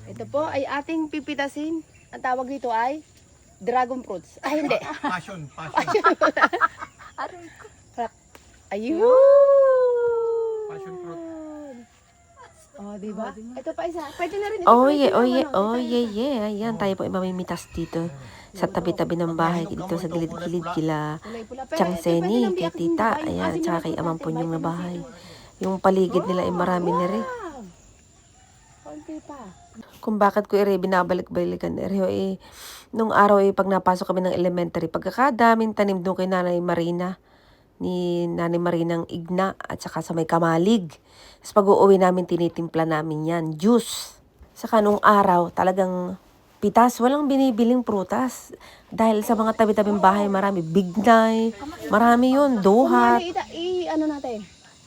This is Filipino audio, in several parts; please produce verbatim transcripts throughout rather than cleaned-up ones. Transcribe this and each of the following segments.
Ito po ay ating pipitasin. Ang tawag dito ay dragon fruits. Ay, hindi. Passion, passion. Aray ko. Ayun. Passion fruit. Oh, di ba? Ito pa isa. Pwede na rin ito. Oh, pwede yeah, oh, naman, yeah, oh. oh, yeah, yeah. Ayan, tayo po ay mamimitas dito sa tabi-tabi ng bahay, dito sa gilid-gilid kila Kulay pula. Pero Chang ito, pwede Seni, nang kay biyak din Tita, ba? Yung ayan, asin tsaka na kay fruit Amang natin, Punyong na vitamin C bahay. to. Yung paligid nila ay marami na rin. Wow! Konti pa. Kung bakit ko ere binabalik-balikan ere eh, nung araw eh, pag napasok kami ng elementary, pagkakadaming tanim doon kay Nanay Marina, ni Nanay Marinang Igna, at saka sa may Kamalig. Tapos pag uuwi namin, tinitimpla namin yan, juice. Saka nung araw, talagang pitas, walang binibiling prutas. Dahil sa mga tabi-tabing bahay, marami bignay, marami yun, duhat. Kumari, ita, i, ano natin?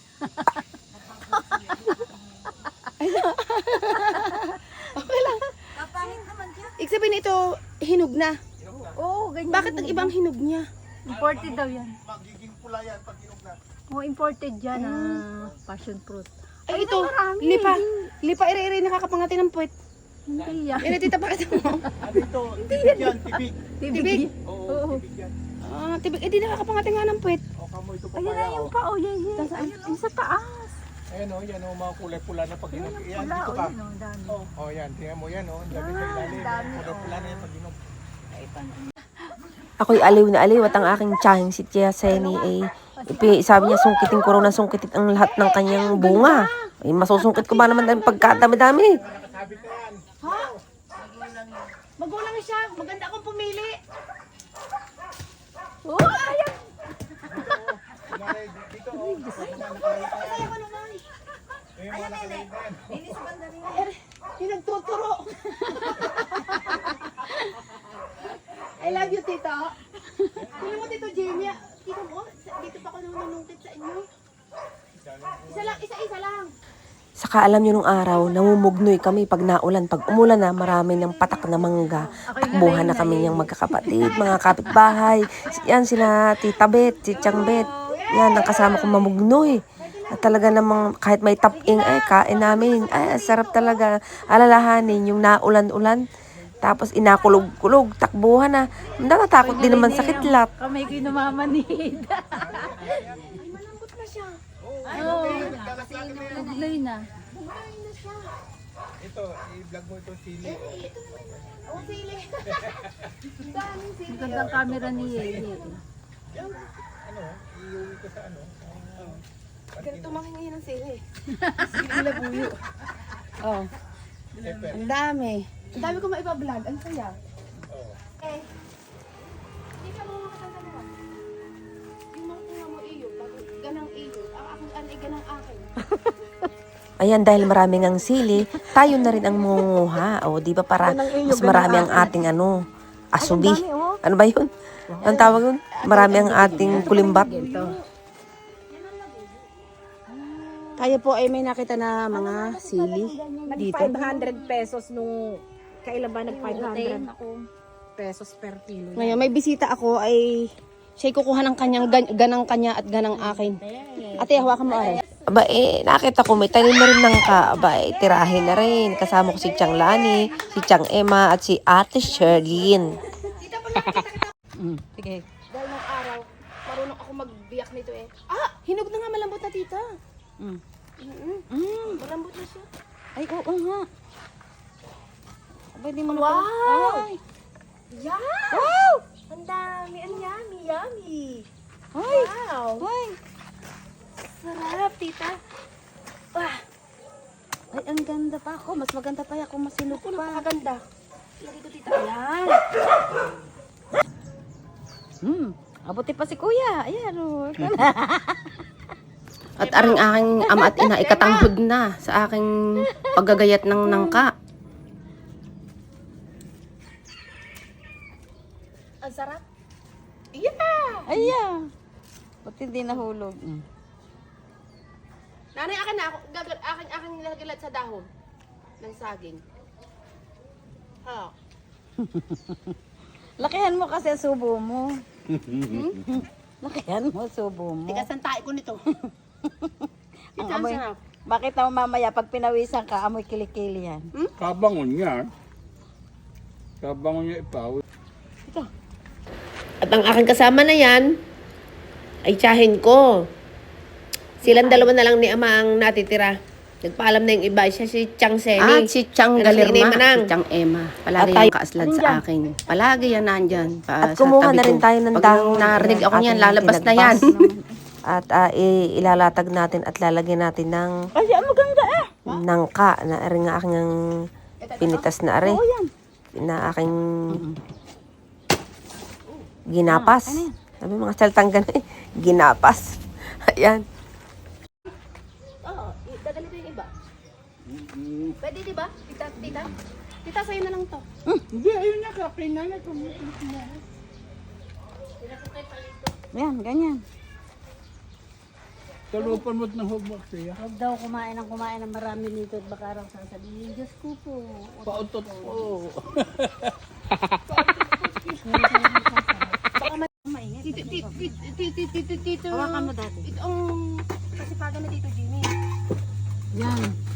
Okay lang. Kapangit naman siya. Ibig sabihin ito, hinog na. Oo, ganyan. Bakit ang ibang hinog niya? Imported daw yan. Magiging pula yan pag inog na. Oo, imported yan ah, passion fruit. Ay, Ay, ito, marami. lipa. Lipa, ire-ire, nakakapangati ng puwet. Hindi yan. Ire, tita, pakita mo. Ano ito? Tibig yan, tibig. Tibig? Oo, Oo. tibig yan. Ah, tibig. Eh, di nakakapangati nga ng puwet. O, kamo ito Ayun na papaya. yung Oh. pa, oh, yan, yan. Nasaan? Ayun, yung sa taas. Ayan o, yan o, mga kulay pula na pag Ayun inog. yung Yan, pula, dito oh, ka. yun, oh, dami. O, yan, tingnan mo yan o. Ang dami sa Yan, ilalim. dami, Kulay pula na yan pag inog. Ako'y aliw na aliw at ang aking tiyahing si Tia Seni ay ipi- sabi niya sungkitin ko raw na sungkitin ang lahat ng kanyang bunga. Ay masusungkit ko ba naman dahil pagkadami-dami. Nakasabit na yan. Ha? Magulang siya. Maganda akong pumili. Oh, ayan. Kunwari, dito o. Nakalagay pa yan. Ako naman. Ayun, mga nakalagay pa yan. Yung nagtuturo. I love you, tita. Kunin mo, tito Jamie. Tito mo, dito pa ako nanunungkit sa inyo. Isa lang, isa-isa lang. Saka alam niyo nung araw, namumugnoy kami pag naulan. Pag umulan na, marami ng patak na mangga. Takbuhan na kami niyang magkakapatid, mga kapitbahay. Yan sila Tita Bet, si Chang Bet. Yan, ang kasama kong mamugnoy. At talaga namang kahit may taping, ay kain namin. Ay, sarap talaga. Alalahanin yung naulan-ulan. Tapos inakulog-kulog, takbuhan na. Natatakot din naman sa kitlap. Kamay ko yung namamanid. Ay, malambot na siya. Oo, naglay na. Bumahay na siya. Ito, i-vlog mo itong sili. o. Ito naman. Oh, sili. Daming sili. Ang gandang camera ni Yeye. Ano, iuwi ko sa ano. Ganito makin ngayon ang sili. Sili labuyo. Oh, Pepper. ang dami. Ang dami ko maipa-vlog. Ang saya. Oo. Eh, hindi ka mo makasal na. Yung mga tinga mo iyo, pag ganang iyo, ang aking anay ganang akin. Ayan, dahil maraming ang sili, tayo na rin ang munguha. O, di ba para mas marami ang ating ano, asubi. Ano ba yun? Ang tawag yun? Marami ang ating kulimbat. Tayo po ay may nakita na mga sili dito. five hundred pesos nung kailan ba nag five hundred Ako. pesos per kilo. Ngayon, may bisita ako ay siya'y kukuha ng kanyang gan- ganang kanya at ganang akin. Ate, hawakan mo aray. Aba eh, nakita ko may tanim na rin ng ka. Aba eh, tirahin na rin. Kasama ko si Chang Lani, si Chang Emma, at si Ate Sherlyn. Sige. Dahil nung araw, marunong ako magbiyak nito eh. Ah! Hinog na nga, malambot na tita. Mm. Mm-mm. Mm. Malambot na siya. Ay, oo nga. Pwede mo na Wow! Ay! Yeah! Wow! Ang dami, ang yummy, yummy. Ay! Wow! Ay! Sarap, tita. Ah! Ay, ang ganda pa ako. Mas maganda pa ako masinop Ako, pa. napakaganda. Lagi ko, tita. Ayan. Hmm. Abuti pa si kuya. Ayan, oh. At aring aking ama at ina, ikatanghod na sa aking paggagayat ng nangka. Ang sarap. Yeah! Ayan. Buti hindi nahulog. Mm. Nanay, akin na. Ako- Gagal, akin, akin nilagalat sa dahon ng saging. Ha? Lakihan mo kasi subo mo. Lakihan mo subo mo. Tigas ang tae ko nito. Ang Ito ang amoy, sarap. Bakit naman mamaya pag pinawisan ka, amoy kilikili yan? Kabangon niya. Kabangon niya ipaw. At ang aking kasama na yan, ay tiyahin ko. Silang dalawa na lang ni Ama ang natitira. Nagpaalam na yung iba. Siya si Chang Semi. At si Chang Pero si Galirma, Inay Manang. si Chang Emma. Palagi At yung kaaslad sa akin. Palagi yan nandyan. Pa, At sa kumuha tabi na rin ko. tayo ng Pag dahon. narinig ako niyan, Ating lalabas na yan. tinagpas. At ah, i- ilalatag natin at lalagyan natin ng Ay, ang maganda eh. nangka na rin nga aking ang pinitas na are. Na aking ginapas. Sabi mga saltang ganun eh. Ginapas. Ayan. Oo, i- dadali ko yung iba. Pwede di ba? Tita, tita? Tita, sa'yo na lang to. Hindi, ayun na ka. Pinanay ko. Yan, ganyan. Talupan mo't ng hubak siya. Huwag daw kumain ng kumain ng marami nito at baka raw sasabihin, Diyos ko po. Pautot po. Tito, tito, tito, tito, tito, tito. Hawakan mo dati. Ito ang kasipagan na Tito Jimmy. Yan.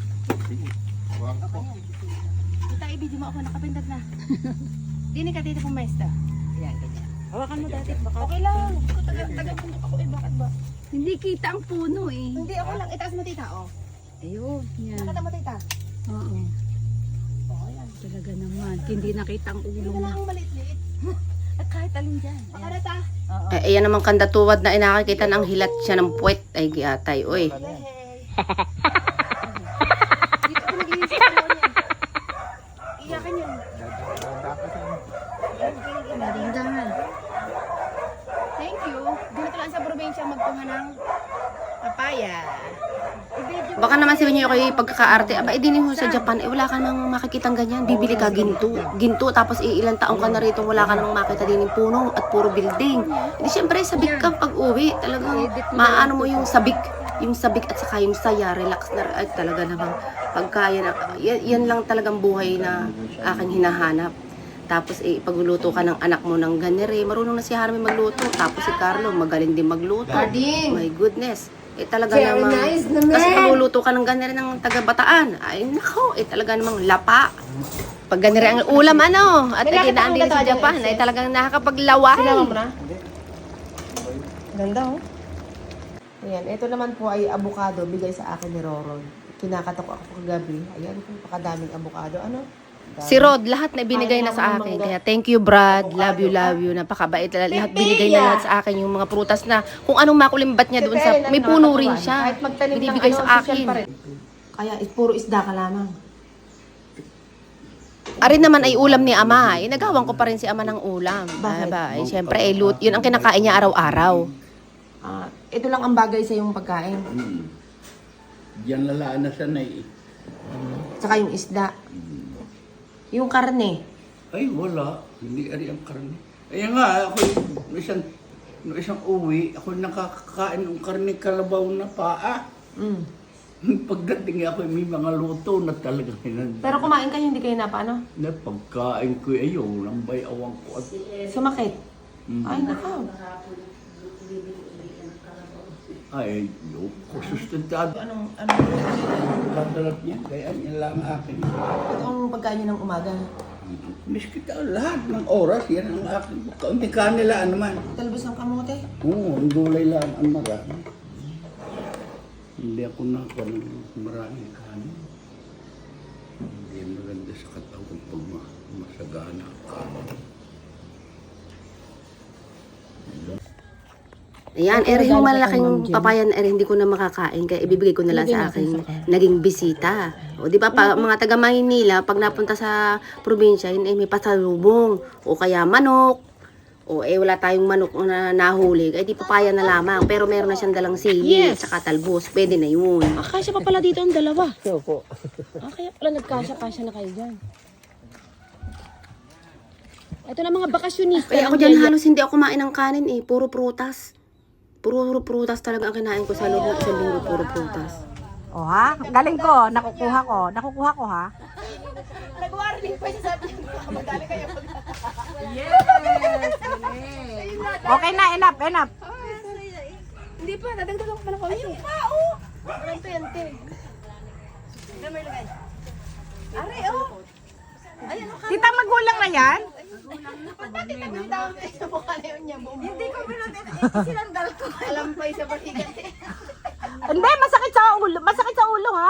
Tita, ibigay mo ako, nakapindad na. Dini ka, tito pumesta. Yan, ganyan. Hawakan mo dati. Baka Okay lang. Ikaw, taga, taga-bundok ako eh, bakit ba? Hindi kita ang puno eh. Hindi, ako lang. Itaas mo, tita, oh. Ayun, yan. Nakata mo, tita. Oo. Oo, yan. Talaga naman. Hindi nakita ang ulo Ito mo. na lang ang maliit-liit. At kahit alin dyan. Pakarata. Eh, ayan namang kandatuwad na inakakita ng hilat siya ng puwet. Ay, giatay. Uy. Hey. Dito ko nag-iisip ko yan. Iyakan yun. Dahan. Thank you. Dito lang sa probinsya magpunga ng papaya. Baka naman sabihin niyo kayo pagkakaarte. Aba, eh, din mo sa Japan. Eh, wala ka namang makikitang ganyan. Bibili ka ginto. Ginto, tapos eh, ilang taong ka na rito, wala ka namang makita din yung puno at puro building. Hindi, syempre, sabik ka pag uwi. Talagang, maano mo yung sabik. Yung sabik at saka yung saya, relax na. Ay, talaga namang pagkaya na. Yan, yan lang talagang buhay na aking hinahanap. Tapos eh, pagluluto ka ng anak mo ng ganere, marunong na si Harvey magluto. Tapos si Carlo, magaling din magluto. My goodness. Eh talaga namang, kasi pagluluto ka ng ganere ng taga-Bataan, ay nako, eh talaga namang lapa. Pag ganere ang ulam ano, at May nakita nakinaan kang din sa gato, Japan, Ate ay talagang nakakapaglaway. Sinama mo na? Ganda oh. Ayan, ito naman po ay avocado bigay sa akin ni Roron. Kinakatok ako kagabi. Ayan, pakadaming avocado. Ano? Si Rod, lahat na binigay na sa akin. Kaya thank you Brad, love you, love you. Napakabait. Lahat binigay na lahat sa akin yung mga prutas na kung anong makulimbat niya doon sa, may puno rin siya. Kahit magtanim ng Binibigay ano, sa social akin. pa rin. Kaya is puro isda ka lamang. Arin naman ay ulam ni Ama. Eh, nagawan ko pa rin si Ama ng ulam. Bakit? Aba, eh, syempre, eh, lut, yun ang kinakain niya araw-araw. Ah, ito lang ang bagay sa yung pagkain. Diyan lalaan na sanay. Tsaka yung isda. Yung karne. Ay, wala. Hindi ari ang karne. Ayan nga, ako yung isang, no isang uwi, ako nakakakain ng karne kalabaw na paa. Mm. Pagdating ako, may mga luto na talagang hinanda. Pero kumain kayo, hindi kayo na paano? Na pagkain ko, ayaw, lambay awang ko. At, Sumakit. Mm. Ay, nakaw. ay, yung kusustentado. Anong, anong, Kadalat niya, kaya yan lang akin. ito ang pagkain niyo ng umaga. Miski ka, lahat ng oras, yan ang akin. Kaunti kanila naman. Talbos ng kamote. Oo, ang gulay lang ang marami. Hindi ako nakakuha ng maraming kanin. Hindi maganda sa katawan pag ma- masagana ka. Ayan, eh, yung malaking papayan, eh, hindi ko na makakain. Kaya ibibigay ko na lang sa aking naging bisita. O, di ba, pa, mga taga Maynila, pag napunta sa probinsya, yun, eh, may pasalubong. O kaya manok. O, eh, wala tayong manok na nahuli. Eh, di papaya na lamang. Pero meron na siyang dalang sili, yes, saka talbos. Pwede na yun. Ah, kasya pa pala dito ang dalawa. Opo. Ah, kaya pala nagkasya-kasya na kayo dyan. Ito na mga bakasyonista. Kaya ako dyan halos hindi ako kumain ng kanin eh. Puro prutas. Puro prutas talaga ang kinain ko sa loob ng isang linggo. Puro prutas. O ha? Galing ko. Nakukuha ko. Nakukuha ko ha? Nag-warning pa siya sabi niya. Madali kayo pag... Okay na. Enough. Enough. Hindi pa, nadagdagan ko pa ng konti. Ayun pa, oh! Ganito yan, te. Are, oh. Tita, magulang na yan? Bakit ako yung tawag sa mukha na yun niya? Hindi ko sinandal ko. Alampay sa balikat eh. Hindi, masakit sa ulo. Masakit sa ulo, ha?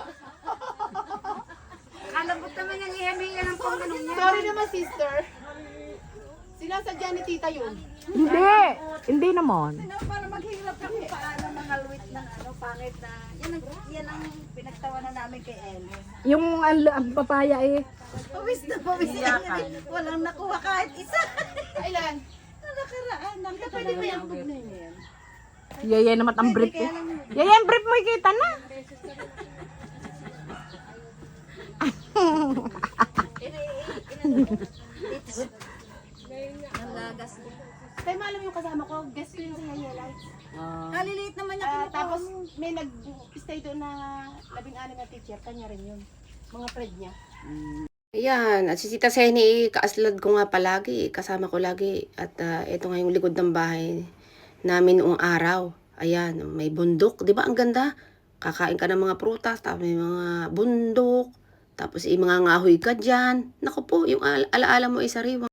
Kalabot naman yung ihamingan ng pangganong niya. Sorry naman, sister. Sinasadya ni tita yun. Hindi. Hindi naman. Para maghirap kami paano mga luwit ng ano, pangit na. Yan ang, yan ang pinagtawanan namin kay El. Yung ang, ang papaya eh. Pawis na pawis yan. Walang nakuha kahit isa. Kailan? Nakaraan. Ang Pwede ba yung bug na yun? Yaya naman ang brief eh. Yaya ang brief mo ikita na. Tayo maalam yung kasama ko, guest ko yun sa Yaya Lights. Kaliliit naman niya. Ah, tapos may nag-stay doon na labing-anim na teacher, kanya rin yun. Mga friend niya. Ayan, at si Tita Seni, kaaslad ko nga palagi, kasama ko lagi. At uh, ito nga yung likod ng bahay namin noong araw. Ayan, may bundok, di ba ang ganda? Kakain ka ng mga prutas, tapos may mga bundok, tapos yung mga ngahoy ka dyan. Naku po, yung al- alaala mo ay sariwa.